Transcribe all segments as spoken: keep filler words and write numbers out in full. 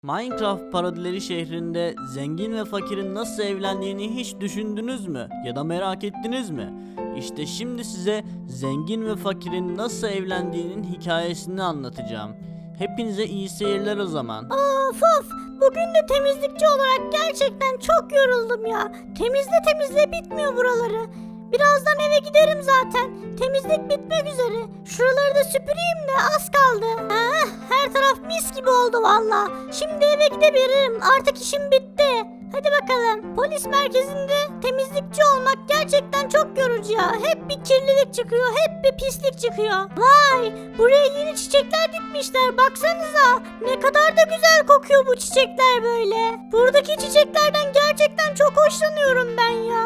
Minecraft parodileri şehrinde zengin ve fakirin nasıl evlendiğini hiç düşündünüz mü? Ya da merak ettiniz mi? İşte şimdi size zengin ve fakirin nasıl evlendiğinin hikayesini anlatacağım. Hepinize iyi seyirler o zaman. Of of, bugün de temizlikçi olarak gerçekten çok yoruldum ya. Temizle temizle bitmiyor buraları. Birazdan eve giderim zaten. Temizlik bitmek üzere. Şuraları da süpüreyim de az kaldı. Ha, her taraf mis gibi oldu valla. Şimdi eve gidebilirim. Artık işim bitti. Hadi bakalım. Polis merkezinde temizlikçi olmak gerçekten çok yorucu ya. Hep bir kirlilik çıkıyor, hep bir pislik çıkıyor. Vay, buraya yeni çiçekler dikmişler. Baksanıza. Ne kadar da güzel kokuyor bu çiçekler böyle. Buradaki çiçeklerden gerçekten çok hoşlanıyorum ben ya.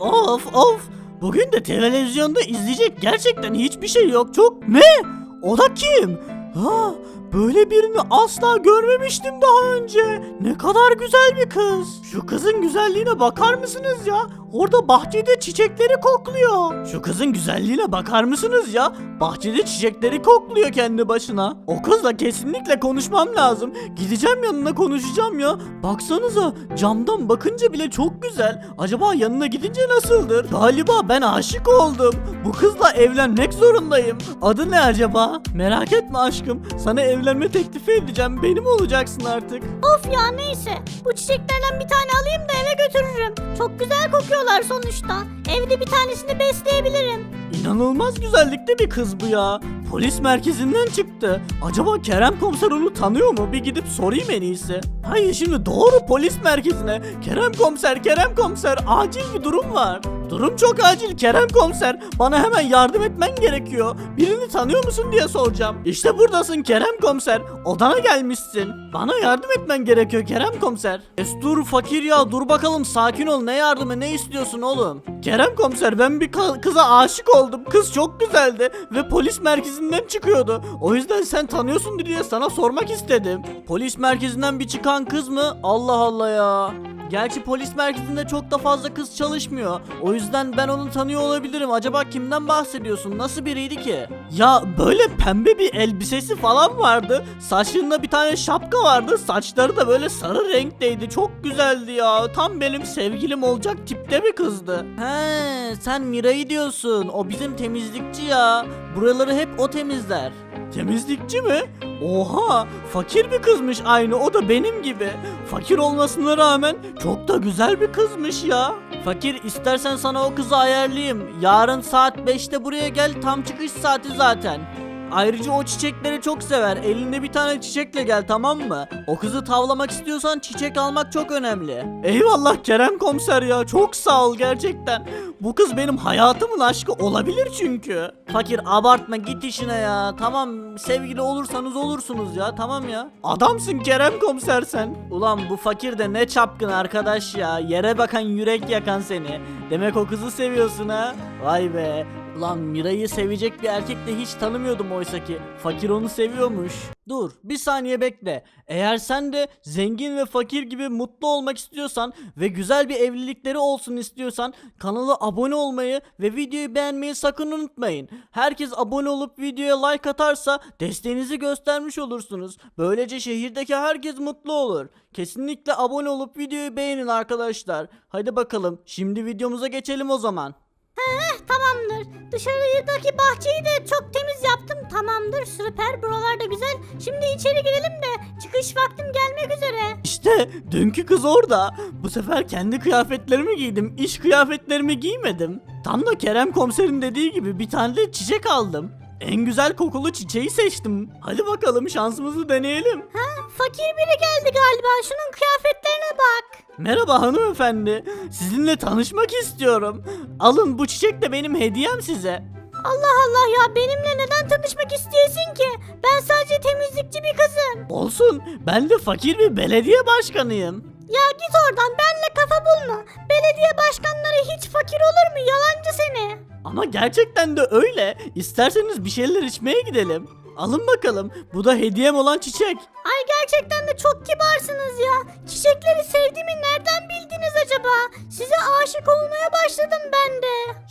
Of of! Bugün de televizyonda izleyecek gerçekten hiçbir şey yok. Çok ne? O da kim? Ha, böyle birini asla görmemiştim daha önce. Ne kadar güzel bir kız. Şu kızın güzelliğine bakar mısınız ya? Orada bahçede çiçekleri kokluyor. Şu kızın güzelliğine bakar mısınız ya? Bahçede çiçekleri kokluyor kendi başına. O kızla kesinlikle konuşmam lazım. Gideceğim yanına konuşacağım ya. Baksanıza, camdan bakınca bile çok güzel. Acaba yanına gidince nasıldır? Galiba ben aşık oldum. Bu kızla evlenmek zorundayım. Adı ne acaba? Merak etme aşkım. Sana evlenme teklifi edeceğim. Benim olacaksın artık. Of ya, neyse. Bu çiçeklerden bir tane alayım da eve götürürüm. Çok güzel kokuyorlar sonuçta. Evde bir tanesini besleyebilirim. İnanılmaz güzellikte bir kız bu ya. Polis merkezinden çıktı. Acaba Kerem komiser onu tanıyor mu? Bir gidip sorayım en iyisi. Hayır, şimdi doğru polis merkezine. Kerem komiser, Kerem komiser, acil bir durum var. Durum çok acil Kerem komiser. Bana hemen yardım etmen gerekiyor. Birini tanıyor musun diye soracağım. İşte buradasın Kerem komiser. Odana gelmişsin. Bana yardım etmen gerekiyor Kerem komiser. Es dur fakir ya, dur bakalım, sakin ol. Ne yardımı, ne istiyorsun oğlum? Kerem komiser, ben bir ka- kıza aşık oldum. Kız çok güzeldi ve polis merkezinden çıkıyordu. O yüzden sen tanıyorsun diye sana sormak istedim. Polis merkezinden bir çıkan kız mı? Allah Allah ya. Gerçi polis merkezinde çok da fazla kız çalışmıyor. O yüzden ben onu tanıyor olabilirim. Acaba kimden bahsediyorsun? Nasıl biriydi ki? Ya böyle pembe bir elbisesi falan vardı. Saçlarında bir tane şapka vardı. Saçları da böyle sarı renkteydi. Çok güzeldi ya. Tam benim sevgilim olacak tipte bir kızdı. He, sen Mira'yı diyorsun. O bizim temizlikçi ya. Buraları hep o temizler. Temizlikçi mi? Oha, fakir bir kızmış aynı, o da benim gibi. Fakir olmasına rağmen çok da güzel bir kızmış ya. Fakir, istersen sana o kızı ayarlayayım. Yarın saat beşte buraya gel, tam çıkış saati zaten. Ayrıca o çiçekleri çok sever. Elinde bir tane çiçekle gel, tamam mı? O kızı tavlamak istiyorsan çiçek almak çok önemli. Eyvallah Kerem komiser ya, çok sağ ol gerçekten. Bu kız benim hayatımın aşkı olabilir çünkü. Fakir, abartma, git işine ya. Tamam, sevgili olursanız olursunuz ya, tamam ya. Adamsın Kerem komiser sen. Ulan bu fakir de ne çapkın arkadaş ya. Yere bakan yürek yakan seni. Demek o kızı seviyorsun ha. Vay be. Ulan Mira'yı sevecek bir erkek de hiç tanımıyordum oysa ki. Fakir onu seviyormuş. Dur bir saniye bekle. Eğer sen de zengin ve fakir gibi mutlu olmak istiyorsan ve güzel bir evlilikleri olsun istiyorsan kanala abone olmayı ve videoyu beğenmeyi sakın unutmayın. Herkes abone olup videoya like atarsa desteğinizi göstermiş olursunuz. Böylece şehirdeki herkes mutlu olur. Kesinlikle abone olup videoyu beğenin arkadaşlar. Hadi bakalım, şimdi videomuza geçelim o zaman. Heh, tamamdır. Dışarıdaki bahçeyi de çok temiz yaptım. Tamamdır, süper, buralar da güzel. Şimdi içeri girelim de çıkış vaktim gelmek üzere. İşte dünkü kız orada. Bu sefer kendi kıyafetlerimi giydim. İş kıyafetlerimi giymedim. Tam da Kerem komiserin dediği gibi bir tane de çiçek aldım. En güzel kokulu çiçeği seçtim. Hadi bakalım, şansımızı deneyelim. Ha, fakir biri geldi galiba. Şunun kıyafetlerine bak. Merhaba hanımefendi. Sizinle tanışmak istiyorum. Alın, bu çiçek de benim hediyem size. Allah Allah ya, benimle neden tanışmak istiyorsun ki? Ben sadece temizlikçi bir kızım. Olsun, ben de fakir bir belediye başkanıyım. Ya git oradan, benle kafa bulma. Belediye başkanları hiç fakir olur mu? Yalancı seni. Ama gerçekten de öyle. İsterseniz bir şeyler içmeye gidelim. Alın bakalım. Bu da hediyem olan çiçek. Ay, gerçekten de çok kibarsınız ya. Çiçekleri sevdiğimi nereden bildiniz acaba? Size aşık olmaya başladım ben de. Ya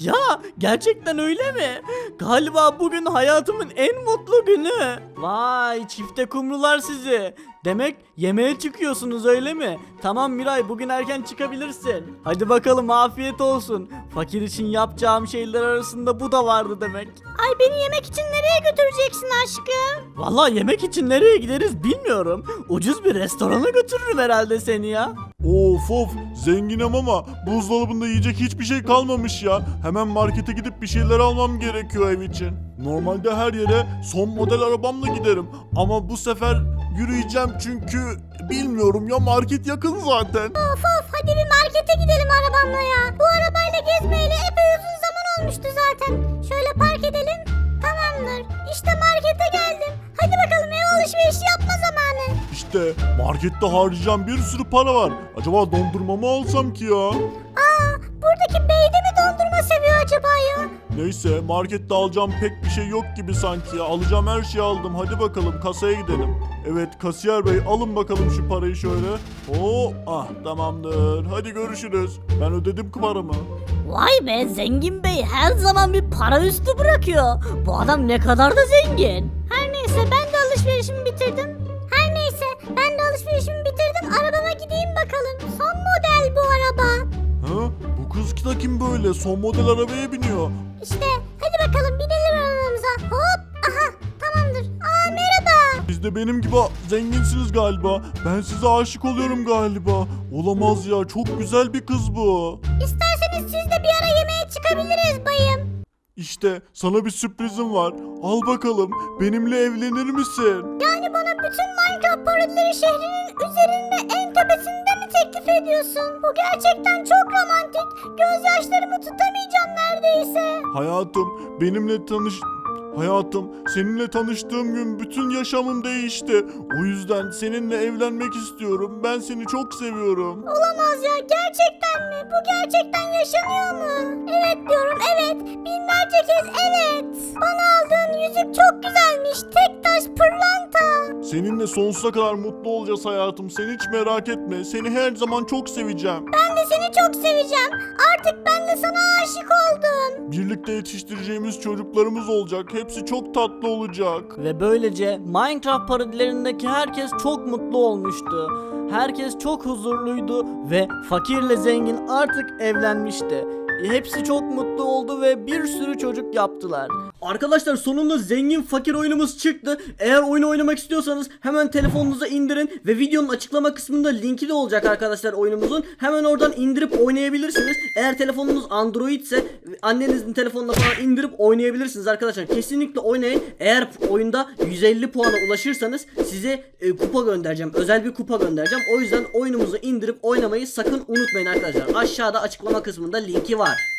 Gerçekten öyle mi? Galiba bugün hayatımın en mutlu günü. Vay çifte kumrular sizi. Demek yemeğe çıkıyorsunuz öyle mi? Tamam Miray, bugün erken çıkabilirsin. Hadi bakalım, afiyet olsun. Fakir için yapacağım şeyler arasında bu da vardı demek. Ay beni yemek için nereye götüreceksin aşkım? Vallahi yemek için nereye gideriz bilmiyorum. Ucuz bir restorana götürürüm herhalde seni ya. Of of, zenginim ama buzdolabında yiyecek hiçbir şey kalmamış ya. Hemen markete gidip bir şeyler almam gerekiyor ev için. Normalde her yere son model arabamla giderim ama bu sefer yürüyeceğim çünkü bilmiyorum ya, market yakın zaten. Of of hadi bir markete gidelim arabamla ya. Bu arabayla gezmeyeli epey uzun zaman olmuştu zaten. Şöyle park edelim. Tamamdır. İşte markete geldim. Hadi bakalım ev alışverişi yapma zamanı. İşte markette harcayacağım bir sürü para var. Acaba dondurma mı alsam ki ya? Aa buradaki bey de mi dondurma seviyor acaba ya? Neyse, markette alacağım pek bir şey yok gibi sanki ya. Alacağım her şeyi aldım. Hadi bakalım kasaya gidelim. Evet kasiyer bey, alın bakalım şu parayı şöyle. Oo, ah tamamdır. Hadi görüşürüz. Ben ödedim paramı. Vay be, zengin bey her zaman bir para üstü bırakıyor. Bu adam ne kadar da zengin. Her neyse ben de alışverişimi bitirdim. Her neyse ben de alışverişimi bitirdim. Arabama gideyim bakalım. Son model bu araba. Ha? Bu kız da kim böyle? Son model arabaya biniyor. İşte hadi bakalım binelim arabamıza. Hop aha tamamdır. Aa merhaba. Siz de benim gibi zenginsiniz galiba. Ben size aşık oluyorum galiba. Olamaz ya, çok güzel bir kız bu. İsterseniz siz de bir ara yemeğe çıkabiliriz bayım. İşte sana bir sürprizim var. Al bakalım, benimle evlenir misin? Yani bana bütün Minecraft parodileri şehrinin üzerinde en tepesinde mi teklif ediyorsun? Bu gerçekten çok romantik. Gözyaşlarımı tutamayacağım neredeyse. Hayatım, benimle tanış... Hayatım, seninle tanıştığım gün bütün yaşamım değişti. O yüzden seninle evlenmek istiyorum. Ben seni çok seviyorum. Olamaz ya, gerçekten mi? Bu gerçekten yaşanıyor mu? Evet diyorum, evet. Binlerce kez evet. Bana aldığın yüzük çok güzelmiş. Tek taş pırlanta. Seninle sonsuza kadar mutlu olacağız hayatım. Sen hiç merak etme. Seni her zaman çok seveceğim. Ben de seni çok seveceğim. Artık ben de sana aşık oldum. Birlikte yetiştireceğimiz çocuklarımız olacak. Hepsi çok tatlı olacak. Ve böylece Minecraft parodilerindeki herkes çok mutlu olmuştu. Herkes çok huzurluydu ve fakirle zengin artık evlenmişti. Hepsi çok mutlu oldu ve bir sürü çocuk yaptılar. Arkadaşlar sonunda zengin fakir oyunumuz çıktı. Eğer oyunu oynamak istiyorsanız hemen telefonunuza indirin ve videonun açıklama kısmında linki de olacak arkadaşlar oyunumuzun. Hemen oradan indirip oynayabilirsiniz. Eğer telefonunuz Android ise annenizin telefonuna falan indirip oynayabilirsiniz arkadaşlar. Kesinlikle oynayın. Eğer oyunda yüz elli puana ulaşırsanız size e, kupa göndereceğim. Özel bir kupa göndereceğim. O yüzden oyunumuzu indirip oynamayı sakın unutmayın arkadaşlar. Aşağıda açıklama kısmında linki var.